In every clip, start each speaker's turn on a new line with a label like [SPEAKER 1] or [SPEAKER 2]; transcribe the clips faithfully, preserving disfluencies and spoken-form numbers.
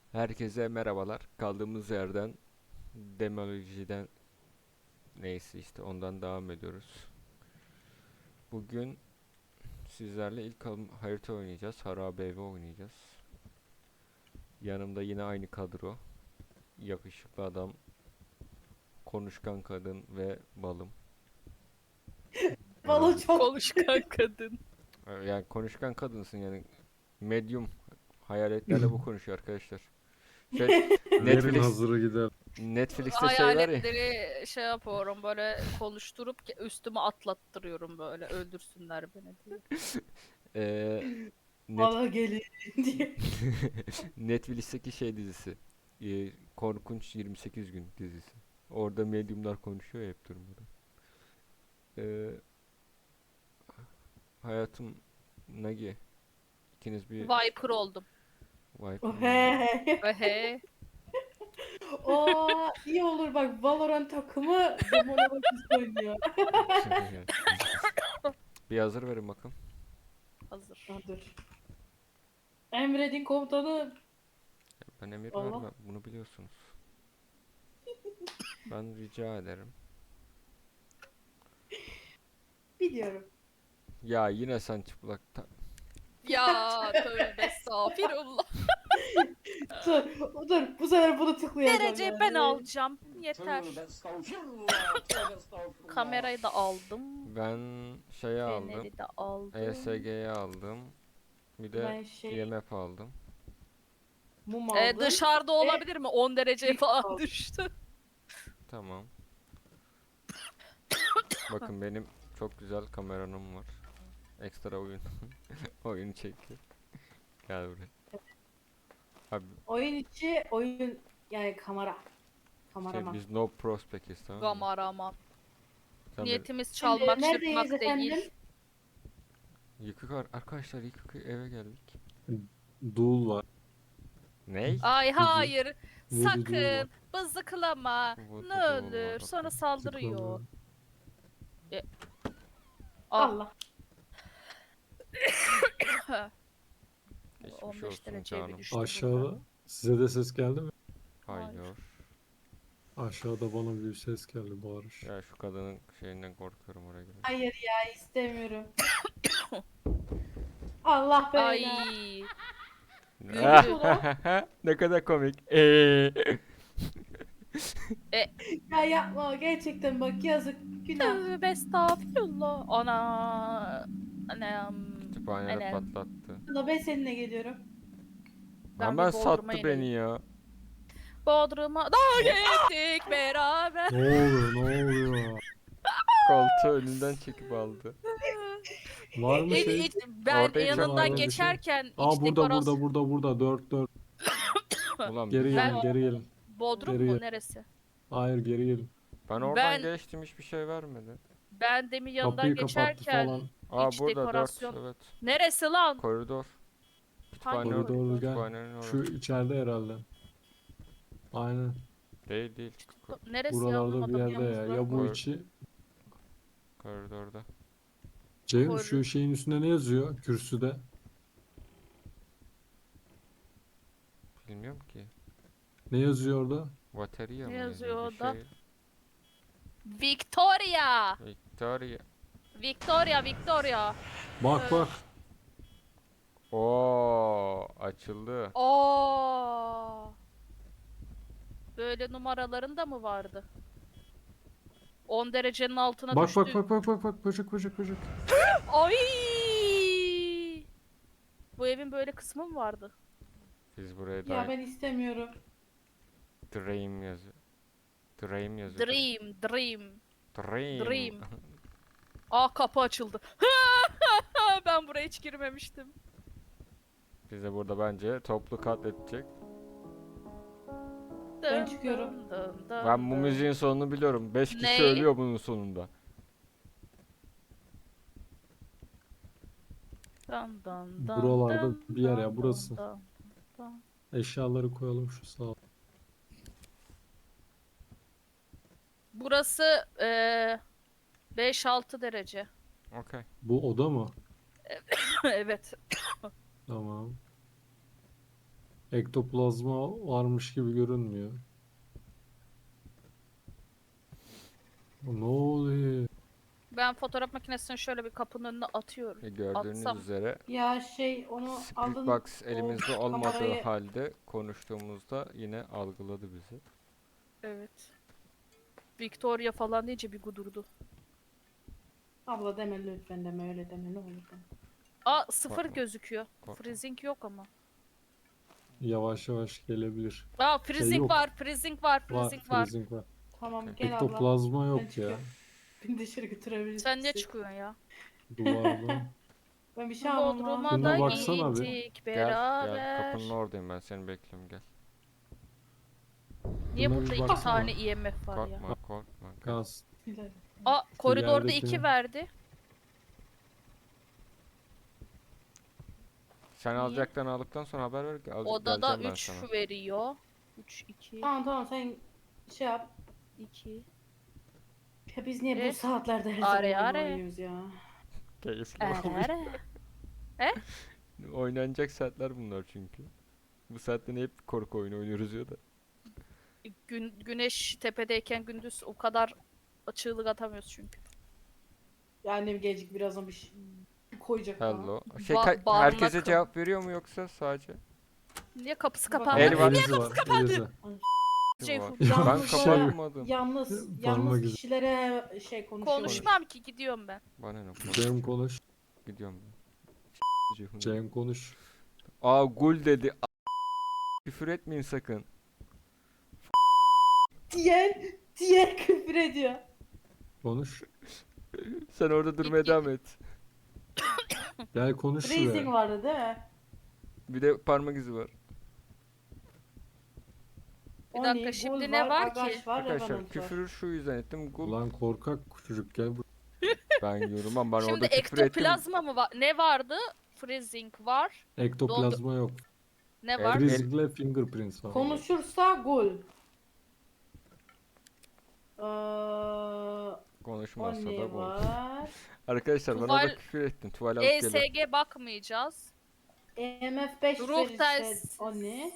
[SPEAKER 1] Herkese merhabalar. Kaldığımız yerden demolojiden neyse işte ondan devam ediyoruz. Bugün sizlerle ilk al- harita oynayacağız. Harabe evi oynayacağız. Yanımda yine aynı kadro. Yakışıklı adam, konuşkan kadın ve balım.
[SPEAKER 2] Balo
[SPEAKER 1] Herhalde.
[SPEAKER 2] çok
[SPEAKER 3] Konuşkan kadın.
[SPEAKER 1] Ee, Yani konuşkan kadınsın yani. Medium hayaletlerle bu konuşuyor arkadaşlar. Şey
[SPEAKER 4] Verin
[SPEAKER 1] Netflix
[SPEAKER 4] hazırı gider.
[SPEAKER 1] Netflix'te şey var ya.
[SPEAKER 3] Hayaletleri şey yapıyorum böyle konuşturup ki üstüme atlattırıyorum böyle öldürsünler beni diye.
[SPEAKER 1] eee, Net
[SPEAKER 2] bana gelin diye.
[SPEAKER 1] Netflix'teki şey dizisi. Ee, Korkunç yirmi sekiz gün dizisi. Orada medyumlar konuşuyor ya hep durmadan. Ee, Hayatım Nagi. İkiniz bir
[SPEAKER 3] Viper oldum.
[SPEAKER 1] Viper
[SPEAKER 2] Oh,
[SPEAKER 1] mı
[SPEAKER 2] he
[SPEAKER 1] oldunuz?
[SPEAKER 2] he.
[SPEAKER 3] Ehe.
[SPEAKER 2] Oo, iyi olur bak Valorant takımı Demonobakis oynuyor.
[SPEAKER 1] Bir hazır verin bakın.
[SPEAKER 3] Hazır.
[SPEAKER 2] Ha, dur. Emredin komutanı.
[SPEAKER 1] Ben emir
[SPEAKER 2] Allah.
[SPEAKER 1] vermem. Bunu biliyorsunuz. Ben rica ederim.
[SPEAKER 2] Biliyorum.
[SPEAKER 1] Ya yine sen çıplak. ta-
[SPEAKER 3] Ya tövbe estağfirullah.
[SPEAKER 2] Dur, dur. Bu sefer bunu tıklayacağım
[SPEAKER 3] Dereceyi
[SPEAKER 2] yani.
[SPEAKER 3] ben alacağım. Yeter.
[SPEAKER 5] Tövbe estağfurullah. Tövbe estağfurullah.
[SPEAKER 3] Kamerayı da aldım.
[SPEAKER 1] Ben şeyi aldım.
[SPEAKER 3] Feneri de aldım.
[SPEAKER 1] E S G'yi aldım. Bir de
[SPEAKER 2] Ben şey
[SPEAKER 1] I M F aldım.
[SPEAKER 2] mum
[SPEAKER 3] Ee,
[SPEAKER 2] aldım.
[SPEAKER 3] dışarıda olabilir mi? on derece
[SPEAKER 2] Büyük
[SPEAKER 3] falan
[SPEAKER 2] aldım.
[SPEAKER 3] düştü.
[SPEAKER 1] Tamam. Bakın benim çok güzel kameranım var. Ekstra oyun oyun çekti. Gel buraya. Abi
[SPEAKER 2] Oyun içi oyun yani kamera.
[SPEAKER 1] şey,
[SPEAKER 2] Kameraman.
[SPEAKER 1] biz no prospect'iz tamam mı?
[SPEAKER 3] Kameraman.
[SPEAKER 1] Sen beni-
[SPEAKER 3] Niyetimiz
[SPEAKER 2] Şimdi
[SPEAKER 3] çalmak,
[SPEAKER 2] neredeyiz
[SPEAKER 3] çırpmak
[SPEAKER 2] efendim?
[SPEAKER 3] değil.
[SPEAKER 1] Yıkık ar- arkadaşlar yıkık eve geldik.
[SPEAKER 4] Dul var.
[SPEAKER 1] Ney?
[SPEAKER 3] Ay hayır.
[SPEAKER 4] Voodoo var.
[SPEAKER 3] Sakın. Bızıklama.
[SPEAKER 1] Voodoo
[SPEAKER 3] Ne
[SPEAKER 1] var,
[SPEAKER 3] olur.
[SPEAKER 1] okey.
[SPEAKER 3] Sonra saldırıyor.
[SPEAKER 4] Tıklama.
[SPEAKER 3] Ah.
[SPEAKER 2] Allah.
[SPEAKER 1] Geçmiş
[SPEAKER 3] on beş
[SPEAKER 1] olsun
[SPEAKER 3] dereceye bir
[SPEAKER 1] canım.
[SPEAKER 3] düştü burada.
[SPEAKER 4] Aşağıda size de ses geldi mi?
[SPEAKER 1] Hayır.
[SPEAKER 3] Hayır.
[SPEAKER 4] Aşağıda bana bir ses geldi bağırış.
[SPEAKER 1] Ya şu kadının şeyinden korkuyorum oraya gelin.
[SPEAKER 2] Hayır ya istemiyorum. Allah
[SPEAKER 3] Ay.
[SPEAKER 2] belanı.
[SPEAKER 3] Güldü.
[SPEAKER 1] Ne kadar komik. Eee.
[SPEAKER 2] Ya yapma gerçekten bak yazık günah.
[SPEAKER 3] Tövbe estağfirullah. Ana. Anam.
[SPEAKER 1] Kütüphaneleri
[SPEAKER 3] Anam.
[SPEAKER 1] patlattı.
[SPEAKER 2] Abla ben seninle geliyorum.
[SPEAKER 3] Ben
[SPEAKER 1] Hemen
[SPEAKER 3] bir Bodrum'a
[SPEAKER 1] sattı
[SPEAKER 3] ineyim.
[SPEAKER 1] beni ya.
[SPEAKER 3] Bodrum'a da gittik beraber.
[SPEAKER 4] Ne oluyor ne oluyor?
[SPEAKER 1] Koltuğu önünden çekip aldı.
[SPEAKER 4] Var mı
[SPEAKER 3] E,
[SPEAKER 4] şey?
[SPEAKER 3] e, ben
[SPEAKER 1] Orada hiç
[SPEAKER 4] var
[SPEAKER 3] yanından
[SPEAKER 4] mı bir şey?
[SPEAKER 3] geçerken
[SPEAKER 4] Aa
[SPEAKER 3] iç
[SPEAKER 4] burada
[SPEAKER 3] dekorasyon...
[SPEAKER 4] burada burada burada dört dört.
[SPEAKER 1] Ulan
[SPEAKER 4] Geri
[SPEAKER 1] bir-
[SPEAKER 3] Ben-
[SPEAKER 4] gelin geri gelin.
[SPEAKER 3] Bodrum
[SPEAKER 4] Geri
[SPEAKER 3] mu
[SPEAKER 4] gel.
[SPEAKER 3] neresi?
[SPEAKER 4] Hayır geri gelin.
[SPEAKER 1] ben oradan
[SPEAKER 3] Ben-
[SPEAKER 1] geçtim hiçbir şey vermedi.
[SPEAKER 3] Ben demin yanından
[SPEAKER 4] Kapıyı kapattı
[SPEAKER 3] geçerken
[SPEAKER 4] falan.
[SPEAKER 1] Aa
[SPEAKER 3] İç
[SPEAKER 1] burada
[SPEAKER 3] dekorasyon.
[SPEAKER 1] dört evet.
[SPEAKER 3] neresi lan?
[SPEAKER 1] Koridor. Kütüphane
[SPEAKER 3] Hangi
[SPEAKER 1] or-
[SPEAKER 4] Koridor gel.
[SPEAKER 1] kütüphanenin orası.
[SPEAKER 4] Şu içeride herhalde. Aynen.
[SPEAKER 1] Değil değil. Ko-
[SPEAKER 3] Neresi
[SPEAKER 4] Buralarda bir
[SPEAKER 3] anlamadım.
[SPEAKER 4] yerde ya.
[SPEAKER 2] yalnız
[SPEAKER 4] Ya bu
[SPEAKER 1] bak.
[SPEAKER 4] içi.
[SPEAKER 1] koridorda.
[SPEAKER 4] Ceyhun
[SPEAKER 3] Koridor.
[SPEAKER 4] şu şeyin üstünde ne yazıyor? Kürsüde.
[SPEAKER 1] Bilmiyorum ki.
[SPEAKER 4] Ne yazıyor orada?
[SPEAKER 1] Batarya
[SPEAKER 3] Ne
[SPEAKER 1] mı
[SPEAKER 3] yazıyor
[SPEAKER 1] bir
[SPEAKER 3] orada?
[SPEAKER 1] şey.
[SPEAKER 3] Victoria.
[SPEAKER 1] Victoria.
[SPEAKER 3] Victoria, Victoria.
[SPEAKER 4] Bak
[SPEAKER 3] Evet.
[SPEAKER 4] bak.
[SPEAKER 1] Oo açıldı.
[SPEAKER 3] Oo. Böyle numaraların da mı vardı? on derecenin altına
[SPEAKER 4] Bak
[SPEAKER 3] düştü.
[SPEAKER 4] bak bak bak bak bak böcek böcek böcek.
[SPEAKER 3] Ay! Bu evin böyle kısmı mı vardı?
[SPEAKER 1] Biz buraya
[SPEAKER 2] Ya
[SPEAKER 1] da
[SPEAKER 2] ben istemiyorum.
[SPEAKER 1] Dream yazıyor. Dream yazıyor.
[SPEAKER 3] Dream, dream,
[SPEAKER 1] Dream.
[SPEAKER 3] dream. Aa kapı açıldı. Ben buraya hiç girmemiştim.
[SPEAKER 1] Bize burada bence toplu katledecek.
[SPEAKER 2] Ben çıkıyorum.
[SPEAKER 3] Dın dın dın
[SPEAKER 1] Ben bu
[SPEAKER 3] dın.
[SPEAKER 1] müziğin sonunu biliyorum. beş kişi
[SPEAKER 3] Ne?
[SPEAKER 1] ölüyor bunun sonunda.
[SPEAKER 3] Dın dın dın
[SPEAKER 4] Buralarda
[SPEAKER 3] dın
[SPEAKER 4] bir yer ya,
[SPEAKER 3] dın
[SPEAKER 4] burası.
[SPEAKER 3] dın dın.
[SPEAKER 4] Eşyaları koyalım şu sağa.
[SPEAKER 3] Burası eee beş altı derece.
[SPEAKER 1] Okey.
[SPEAKER 4] Bu oda mı?
[SPEAKER 3] Evet.
[SPEAKER 4] Tamam. Ektoplazma varmış gibi görünmüyor. Ne oluyor?
[SPEAKER 3] Ben fotoğraf makinesini şöyle bir kapının önüne atıyorum.
[SPEAKER 1] E, gördüğünüz
[SPEAKER 3] Atsam.
[SPEAKER 1] üzere
[SPEAKER 2] Ya şey onu
[SPEAKER 1] Spirit
[SPEAKER 2] alın.
[SPEAKER 1] Box
[SPEAKER 2] o
[SPEAKER 1] elimizde olmadığı
[SPEAKER 2] kamerayı-
[SPEAKER 1] halde konuştuğumuzda yine algıladı bizi.
[SPEAKER 3] Evet. Victoria falan deyince bir gudurdu.
[SPEAKER 2] Abla deme lütfen deme öyle deme ne olur deme.
[SPEAKER 3] Aa sıfır
[SPEAKER 1] Korkma.
[SPEAKER 3] gözüküyor.
[SPEAKER 1] Korkma.
[SPEAKER 3] Freezing yok ama.
[SPEAKER 4] Yavaş yavaş gelebilir.
[SPEAKER 3] Aa freezing
[SPEAKER 4] yok.
[SPEAKER 3] var, freezing var,
[SPEAKER 4] Var,
[SPEAKER 3] freezing var.
[SPEAKER 4] freezing var.
[SPEAKER 2] Tamam
[SPEAKER 1] Okey.
[SPEAKER 2] gel abla.
[SPEAKER 4] Ektoplazma
[SPEAKER 2] Ben
[SPEAKER 4] yok ya.
[SPEAKER 2] çıkıyorum. Beni dışarı götürebilirsin.
[SPEAKER 3] Sen niye çıkıyorsun ya?
[SPEAKER 4] Duvarda.
[SPEAKER 2] Ben bir şey almam lazım.
[SPEAKER 3] Bodrum'a
[SPEAKER 4] Şuna
[SPEAKER 3] da
[SPEAKER 4] baksana bir.
[SPEAKER 3] gittik
[SPEAKER 1] Gel, gel.
[SPEAKER 3] beraber.
[SPEAKER 1] Kapının oradayım ben. Seni bekliyorum, gel.
[SPEAKER 3] Niye
[SPEAKER 4] Şuna
[SPEAKER 3] burada
[SPEAKER 4] bir
[SPEAKER 3] iki
[SPEAKER 4] baksana.
[SPEAKER 3] tane I M F var ya?
[SPEAKER 1] Korkma, korkma. Gel.
[SPEAKER 4] Kas.
[SPEAKER 3] Aa koridorda
[SPEAKER 4] yerdekini-
[SPEAKER 3] iki verdi.
[SPEAKER 1] Sen
[SPEAKER 3] Niye?
[SPEAKER 1] alacaktan aldıktan sonra haber ver. Al,
[SPEAKER 3] Odada
[SPEAKER 1] geleceğim ben
[SPEAKER 3] üç
[SPEAKER 1] sana.
[SPEAKER 3] veriyor. üç, iki,
[SPEAKER 2] Tamam tamam sen şey yap.
[SPEAKER 3] iki.
[SPEAKER 2] Ya biz niye
[SPEAKER 3] Eh,
[SPEAKER 2] bu saatlerde her
[SPEAKER 3] are,
[SPEAKER 2] zaman oyun
[SPEAKER 3] are.
[SPEAKER 2] oynuyoruz ya?
[SPEAKER 1] Keyifli
[SPEAKER 3] Eee.
[SPEAKER 1] Oynanacak saatler bunlar çünkü. Bu saatte ne hep korku oyunu oynuyoruz ya da.
[SPEAKER 3] Gün, güneş tepedeyken gündüz o kadar çığlık atamıyoruz çünkü.
[SPEAKER 2] Ya annem gelecek birazdan bir şey koyacak bana.
[SPEAKER 1] Hello. Şey,
[SPEAKER 3] Ba-
[SPEAKER 1] ka-
[SPEAKER 3] barınak
[SPEAKER 1] herkese
[SPEAKER 3] kapı.
[SPEAKER 1] cevap veriyor mu yoksa sadece?
[SPEAKER 3] Niye kapısı
[SPEAKER 2] Bak-
[SPEAKER 3] kapandı?
[SPEAKER 1] El var.
[SPEAKER 4] Elizi var. Elizi.
[SPEAKER 3] Ceyhun.
[SPEAKER 1] Var. Ben
[SPEAKER 2] Yalnız var ya,
[SPEAKER 1] kapatmadım.
[SPEAKER 2] Yalnız,
[SPEAKER 4] Parmak
[SPEAKER 2] yalnız
[SPEAKER 4] izi.
[SPEAKER 2] kişilere şey konuşuyor.
[SPEAKER 3] Konuşmam ki gidiyorum ben.
[SPEAKER 1] Bana ne?
[SPEAKER 4] Cem konuş.
[SPEAKER 1] Gidiyorum ben. Ceyhun.
[SPEAKER 4] Cem konuş.
[SPEAKER 1] Aa gul dedi. A- Küfür etmeyin sakın.
[SPEAKER 2] Diğer, diğer küfür ediyor.
[SPEAKER 4] Konuş.
[SPEAKER 1] Sen orada durmaya devam et.
[SPEAKER 4] Gel konuş
[SPEAKER 2] Freezing
[SPEAKER 4] şuraya.
[SPEAKER 2] vardı değil mi?
[SPEAKER 1] Bir de parmak izi var.
[SPEAKER 3] Bir
[SPEAKER 2] Oni,
[SPEAKER 3] dakika, şimdi
[SPEAKER 2] Gul
[SPEAKER 3] ne var
[SPEAKER 2] Agaş
[SPEAKER 3] ki?
[SPEAKER 2] var,
[SPEAKER 1] Arkadaşlar
[SPEAKER 2] Revenant var.
[SPEAKER 1] küfürü şu yüzden ettim. Gul
[SPEAKER 4] Ulan korkak çocuk gel buraya.
[SPEAKER 1] ben yorumam. Ben
[SPEAKER 3] Şimdi
[SPEAKER 1] orada küfür ettim.
[SPEAKER 3] ektoplazma mı var? Ne vardı? Freezing var.
[SPEAKER 4] Ektoplazma yok.
[SPEAKER 3] Ne
[SPEAKER 1] El-
[SPEAKER 3] var?
[SPEAKER 1] el-
[SPEAKER 4] Freezingle fingerprints var.
[SPEAKER 2] Konuşursa Gul. Ee,
[SPEAKER 1] Konuşmazsa da
[SPEAKER 2] Oni
[SPEAKER 1] gul.
[SPEAKER 2] var.
[SPEAKER 1] Arkadaşlar ben
[SPEAKER 3] Tuval-
[SPEAKER 1] orada küfür ettim. Tuval alıp geliyorum.
[SPEAKER 3] E S G bakmayacağız.
[SPEAKER 2] E M F beş
[SPEAKER 3] Ruh
[SPEAKER 2] verirse
[SPEAKER 3] test.
[SPEAKER 2] Oni.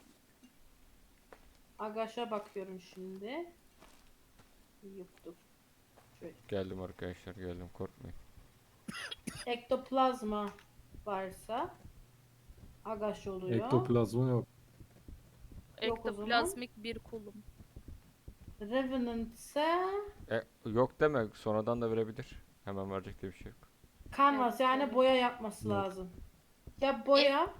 [SPEAKER 2] Agaş'a bakıyorum şimdi. Yoktur. Şöyle.
[SPEAKER 1] Geldim arkadaşlar, geldim, korkmayın.
[SPEAKER 2] Ektoplazma varsa Agaş oluyor.
[SPEAKER 4] Ektoplazma yok.
[SPEAKER 2] Yok o zaman.
[SPEAKER 3] Ektoplazmik bir kulum.
[SPEAKER 2] Revenant ise
[SPEAKER 1] E, yok deme, sonradan da verebilir. Hemen verecek diye bir şey yok.
[SPEAKER 2] Canvas yani
[SPEAKER 3] Evet.
[SPEAKER 2] boya yapması
[SPEAKER 4] Yok.
[SPEAKER 2] lazım. Ya boya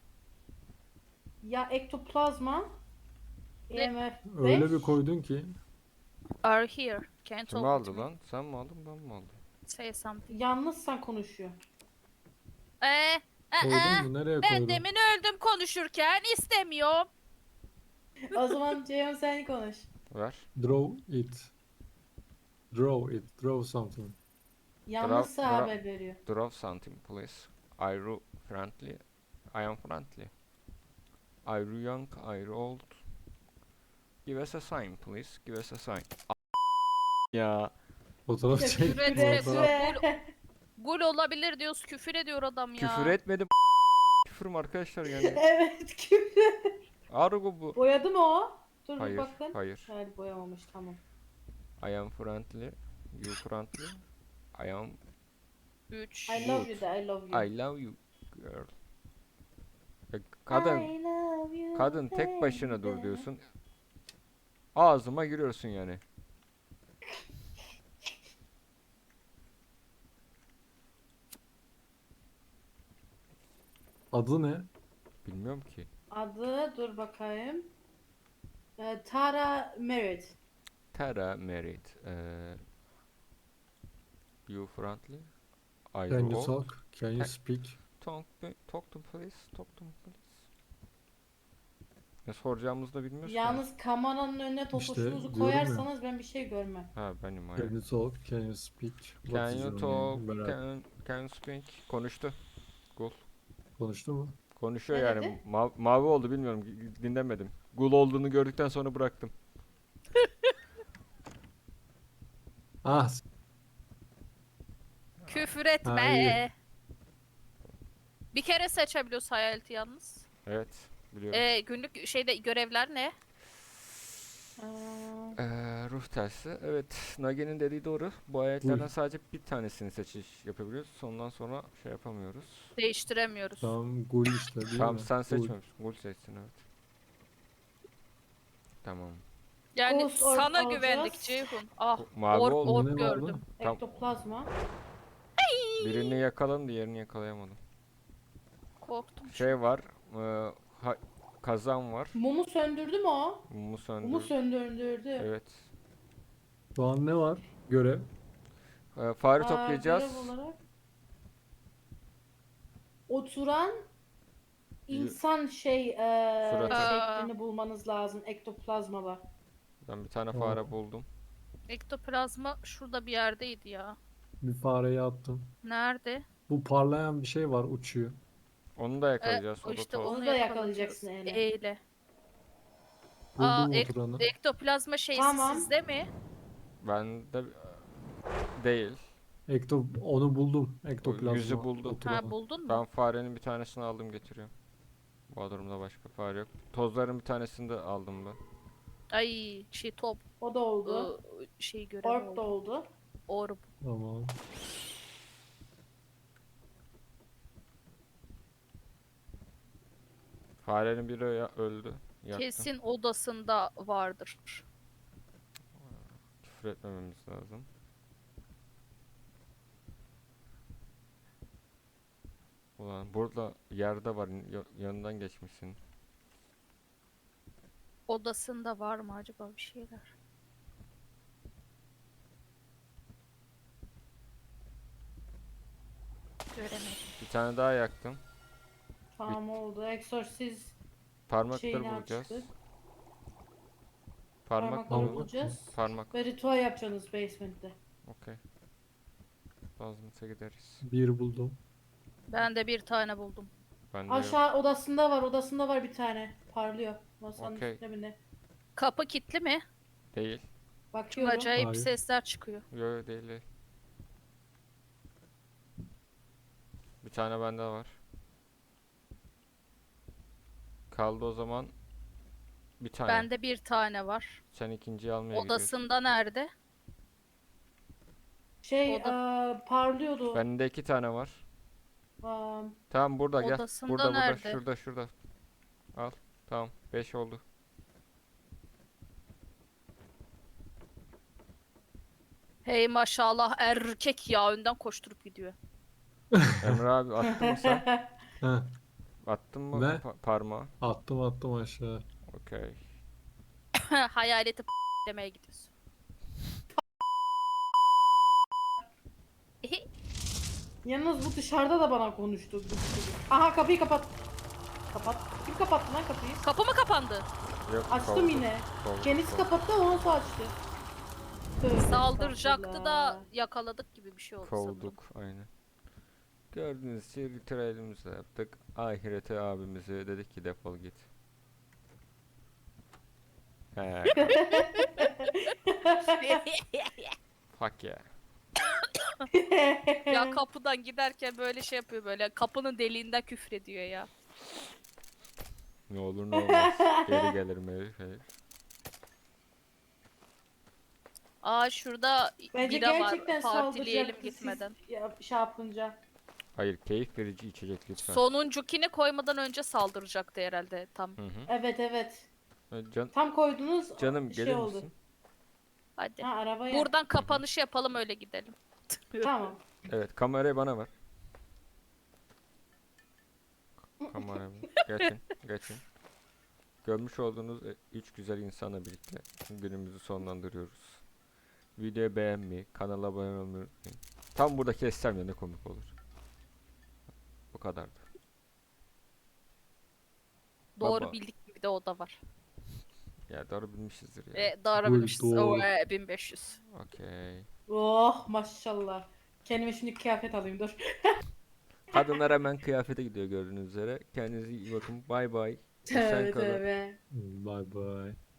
[SPEAKER 2] ya ektoplazma
[SPEAKER 3] Ne?
[SPEAKER 2] E M F beş.
[SPEAKER 4] Öyle bir koydun ki.
[SPEAKER 3] Are here. Can't
[SPEAKER 1] Kim
[SPEAKER 3] talk
[SPEAKER 1] aldı
[SPEAKER 3] with me.
[SPEAKER 1] lan? Sen mi aldın, ben mi aldım?
[SPEAKER 3] Say something.
[SPEAKER 2] Yalnızsan konuşuyor.
[SPEAKER 3] Ee, ee,
[SPEAKER 4] Koydun mu? Nereye
[SPEAKER 3] ben
[SPEAKER 4] koydun?
[SPEAKER 3] demin öldüm konuşurken istemiyorum.
[SPEAKER 2] O zaman Ceyhun sen konuş.
[SPEAKER 1] Ver.
[SPEAKER 4] Draw it. Draw it. Draw something.
[SPEAKER 2] Yalnızsa
[SPEAKER 1] Bra- bra-
[SPEAKER 2] haber veriyor.
[SPEAKER 1] Draw something please. Are you friendly? I am friendly. Are you young? Are you old? Give us a sign please. Give us a sign. A- ya.
[SPEAKER 4] Fotoğraf
[SPEAKER 2] Ya
[SPEAKER 4] çek.
[SPEAKER 3] küfür etme,
[SPEAKER 4] fotoğraf.
[SPEAKER 3] gul, gul olabilir diyoruz, küfür ediyor adam ya.
[SPEAKER 1] Küfür etmedim. Küfür mü arkadaşlar yani?
[SPEAKER 2] Evet küfür.
[SPEAKER 1] Argo bu.
[SPEAKER 2] Boyadı mı o? Dur bir
[SPEAKER 1] Hayır,
[SPEAKER 2] bakın.
[SPEAKER 1] hayır.
[SPEAKER 2] Hayır boyamamış tamam.
[SPEAKER 1] I am friendly. You friendly. I am.
[SPEAKER 3] üç.
[SPEAKER 2] I love you da I love you.
[SPEAKER 1] I love you girl. Ya kadın,
[SPEAKER 2] I love you
[SPEAKER 1] kadın tek başına dur
[SPEAKER 2] baby.
[SPEAKER 1] diyorsun. Ağzıma giriyorsun yani.
[SPEAKER 4] Adı ne?
[SPEAKER 1] Bilmiyorum ki.
[SPEAKER 2] Adı dur bakayım. Ee, Tara Merritt.
[SPEAKER 1] Tara Merit. Eee you friendly? Are
[SPEAKER 4] Can
[SPEAKER 1] you
[SPEAKER 4] you
[SPEAKER 1] old?
[SPEAKER 4] talk? Can you
[SPEAKER 1] Ha-
[SPEAKER 4] speak?
[SPEAKER 1] Talk, to- talk to please. Talk to me please. Ne soracağımızı da bilmiyoruz ki.
[SPEAKER 2] Yalnız kameranın önüne totoşunuzu
[SPEAKER 4] diyorum ya.
[SPEAKER 2] koyarsanız ben bir şey görmem.
[SPEAKER 1] Ha benim
[SPEAKER 4] Can
[SPEAKER 1] hayır.
[SPEAKER 4] you talk? Can you speak? What
[SPEAKER 1] Can
[SPEAKER 4] is
[SPEAKER 1] you
[SPEAKER 4] your
[SPEAKER 1] talk?
[SPEAKER 4] name? Merak-
[SPEAKER 1] Can, can you speak? Konuştu. Gul.
[SPEAKER 4] Konuştu mu?
[SPEAKER 1] Konuşuyor
[SPEAKER 2] Ne
[SPEAKER 1] yani.
[SPEAKER 2] dedi?
[SPEAKER 1] Ma- mavi oldu bilmiyorum. g- Dinlemedim. Gul olduğunu gördükten sonra bıraktım.
[SPEAKER 4] Ah s-
[SPEAKER 3] Küfür etme.
[SPEAKER 4] Ha, iyi.
[SPEAKER 3] Bir kere seçebiliyoruz hayaleti yalnız.
[SPEAKER 1] Evet. Biliyorum.
[SPEAKER 3] Ee, günlük şeyde görevler ne?
[SPEAKER 2] Aa,
[SPEAKER 1] Ee, ruh tersi. Evet, Nagi'nin dediği doğru. Bu ayetlerden sadece bir tanesini seçiş yapabiliyoruz. Ondan sonra şey yapamıyoruz.
[SPEAKER 3] Değiştiremiyoruz.
[SPEAKER 4] Tamam gul işte değil
[SPEAKER 1] Tamam
[SPEAKER 4] mi?
[SPEAKER 1] sen
[SPEAKER 4] Gul.
[SPEAKER 1] seçmemişsin. Gul seçsin evet. Tamam.
[SPEAKER 3] Yani
[SPEAKER 2] Ghost orb
[SPEAKER 3] sana
[SPEAKER 2] alacağız.
[SPEAKER 3] güvendik Ceyhun. Ah,
[SPEAKER 1] O- Mavi
[SPEAKER 3] orb,
[SPEAKER 1] oldu.
[SPEAKER 3] orb
[SPEAKER 4] Ne
[SPEAKER 3] gördüm.
[SPEAKER 4] vardı?
[SPEAKER 1] Tam
[SPEAKER 2] Ektoplazma.
[SPEAKER 1] birini yakaladım, diğerini yakalayamadım.
[SPEAKER 3] Korktum.
[SPEAKER 1] Şey var. e, ha- kazan var.
[SPEAKER 2] Mumu söndürdü mü o?
[SPEAKER 1] Mumu
[SPEAKER 2] Mumu
[SPEAKER 1] söndür.
[SPEAKER 2] söndürdü.
[SPEAKER 1] Evet.
[SPEAKER 4] Şu an ne var? Görev.
[SPEAKER 1] E, fare
[SPEAKER 2] Aa,
[SPEAKER 1] toplayacağız.
[SPEAKER 2] görev olarak oturan
[SPEAKER 1] Y-
[SPEAKER 2] insan şey eee
[SPEAKER 1] Suratı.
[SPEAKER 2] şeklini bulmanız lazım ektoplazmada.
[SPEAKER 1] Ben bir tane
[SPEAKER 4] Tamam.
[SPEAKER 1] fare buldum.
[SPEAKER 3] Ektoplazma şurada bir yerdeydi ya.
[SPEAKER 4] Bir fareyi attım.
[SPEAKER 3] Nerede?
[SPEAKER 4] Bu parlayan bir şey var uçuyor.
[SPEAKER 1] Onu da
[SPEAKER 3] Ee,
[SPEAKER 1] yakalayacağız.
[SPEAKER 3] o
[SPEAKER 1] O da
[SPEAKER 3] işte
[SPEAKER 1] toz.
[SPEAKER 3] onu
[SPEAKER 2] Onu da
[SPEAKER 3] yakalayacağız.
[SPEAKER 2] yakalayacaksın Eyle.
[SPEAKER 3] Eyle. Aa,
[SPEAKER 4] Buldum
[SPEAKER 3] ek-
[SPEAKER 4] oturanı.
[SPEAKER 3] ektoplazma şeysi
[SPEAKER 2] Tamam.
[SPEAKER 3] sizde mi?
[SPEAKER 1] Ben de değil.
[SPEAKER 4] Ekto onu buldum.
[SPEAKER 1] O
[SPEAKER 4] Ektoplazma.
[SPEAKER 1] yüzü buldum.
[SPEAKER 4] oturanı.
[SPEAKER 3] Ha, buldun mu?
[SPEAKER 1] Ben farenin bir tanesini aldım getiriyorum. Bu durumda başka fare yok. Tozların bir tanesini de aldım ben.
[SPEAKER 3] Ay şey top
[SPEAKER 2] O da oldu.
[SPEAKER 3] ıı, şey görevi
[SPEAKER 2] Orb da
[SPEAKER 3] oldu.
[SPEAKER 2] oldu.
[SPEAKER 3] Orb.
[SPEAKER 4] Tamam.
[SPEAKER 1] Farenin biri ya- öldü. Yaktım.
[SPEAKER 3] Kesin odasında vardır.
[SPEAKER 1] Küfür etmememiz lazım. Ulan burada yerde var. ya- yanından geçmişsin.
[SPEAKER 3] Odasında var mı acaba bir şeyler? Göremedim.
[SPEAKER 1] Bir tane daha yaktım.
[SPEAKER 2] Tamam oldu. Exorcist
[SPEAKER 1] Parmakları
[SPEAKER 2] şeyini
[SPEAKER 1] bulacağız.
[SPEAKER 2] açtık.
[SPEAKER 1] Parmak
[SPEAKER 2] Parmakları
[SPEAKER 4] Parmak.
[SPEAKER 2] bulacağız.
[SPEAKER 1] Parmak.
[SPEAKER 2] Ve ritüel yapacaksınız basement'te.
[SPEAKER 1] Okey. Lazımsa gideriz.
[SPEAKER 4] Bir buldum.
[SPEAKER 3] Ben de bir tane buldum.
[SPEAKER 1] Ben de yok.
[SPEAKER 2] Aşağı odasında var. Odasında var bir tane. Parlıyor. Masanın
[SPEAKER 1] Okey.
[SPEAKER 2] üstünde mi ne?
[SPEAKER 3] Kapı kilitli mi?
[SPEAKER 1] Değil.
[SPEAKER 3] Çünkü
[SPEAKER 2] Bakıyorum.
[SPEAKER 3] acayip
[SPEAKER 4] Hayır.
[SPEAKER 3] sesler çıkıyor.
[SPEAKER 1] Yok yok değil değil. Bir tane bende var. Kaldı o zaman bir tane.
[SPEAKER 3] Bende bir tane var.
[SPEAKER 1] Sen ikinciyi almaya gidiyorsun.
[SPEAKER 3] Odasında nerede?
[SPEAKER 2] Şey
[SPEAKER 3] Oda-
[SPEAKER 2] eee, parlıyordu.
[SPEAKER 1] Bende iki tane var.
[SPEAKER 2] Aa,
[SPEAKER 1] Tamam burada gel.
[SPEAKER 3] Odasında
[SPEAKER 1] Burada burada
[SPEAKER 3] nerede?
[SPEAKER 1] şurada şurada. Al. Tamam. Beş oldu.
[SPEAKER 3] Hey maşallah erkek ya önden koşturup gidiyor.
[SPEAKER 1] Emre abi attın mı sen?
[SPEAKER 4] Heh,
[SPEAKER 1] Attın mı
[SPEAKER 4] Ne?
[SPEAKER 1] pa- parmağı?
[SPEAKER 4] attım attım aşağı.
[SPEAKER 1] Okey.
[SPEAKER 3] Hayaleti p- demeye gidiyorsun.
[SPEAKER 2] Yalnız bu dışarıda da bana konuştu. bu çocuk. Aha kapıyı kapat. Kapat. Kim kapattı lan kapıyı?
[SPEAKER 3] Kapı mı kapandı?
[SPEAKER 1] Yok,
[SPEAKER 2] Açtım
[SPEAKER 1] kovduk,
[SPEAKER 2] yine.
[SPEAKER 1] kovduk,
[SPEAKER 2] Kendisi
[SPEAKER 1] kovduk.
[SPEAKER 2] kapattı ondan sonra açtı. Tövbe
[SPEAKER 3] Saldıracaktı da
[SPEAKER 2] estağfurullah.
[SPEAKER 3] yakaladık gibi bir şey oldu sanırım.
[SPEAKER 1] Kovduk aynen. Gördüğünüz gibi ritüelimizi yaptık. Ahirete abimize dedik ki defol git. He, fuck ya.
[SPEAKER 3] Ya kapıdan giderken böyle şey yapıyor böyle kapının deliğinden küfrediyor ya.
[SPEAKER 1] Ne olur ne olmaz. Geri gelirim herif herif.
[SPEAKER 3] Aa şurada
[SPEAKER 2] Bence
[SPEAKER 3] bira var.
[SPEAKER 2] gerçekten
[SPEAKER 3] Partileyelim
[SPEAKER 2] saldıracaktı
[SPEAKER 3] gitmeden.
[SPEAKER 2] siz ya, şey yapınca.
[SPEAKER 1] Hayır keyif verici içecek lütfen.
[SPEAKER 3] Sonuncukini koymadan önce saldıracaktı herhalde tam.
[SPEAKER 1] Hı hı.
[SPEAKER 2] Evet evet.
[SPEAKER 1] E, Can,
[SPEAKER 2] Tam koydunuz
[SPEAKER 1] canım
[SPEAKER 2] şey
[SPEAKER 1] gelir
[SPEAKER 2] oldu.
[SPEAKER 1] misin?
[SPEAKER 3] Hadi.
[SPEAKER 2] Ha arabaya.
[SPEAKER 3] Buradan kapanışı yapalım öyle gidelim.
[SPEAKER 2] Tamam.
[SPEAKER 1] Evet kamerayı bana ver. Kamerayı geçin geçin. Görmüş olduğunuz e, üç güzel insanla birlikte günümüzü sonlandırıyoruz. Videoyu beğenmeyi, kanala abone olmayı unutmayın. Tam burada kessem ya ne komik olur. Bu kadardı.
[SPEAKER 3] Doğru
[SPEAKER 1] Baba.
[SPEAKER 3] bildik gibi de o da var.
[SPEAKER 1] Ya doğru bilmişizdir ya.
[SPEAKER 3] Ve doğru
[SPEAKER 4] Buyur,
[SPEAKER 3] bilmişiz.
[SPEAKER 4] doğru.
[SPEAKER 3] Oo, e, bin beş yüz.
[SPEAKER 1] Okey.
[SPEAKER 2] Oh maşallah. Kendime şimdi kıyafet alayım dur.
[SPEAKER 1] Kadınlar hemen kıyafete gidiyor gördüğünüz üzere. Kendinize iyi bakın. Bay bay. Esen
[SPEAKER 2] Tövbe
[SPEAKER 1] kalın.
[SPEAKER 2] tövbe.
[SPEAKER 4] Bye bye.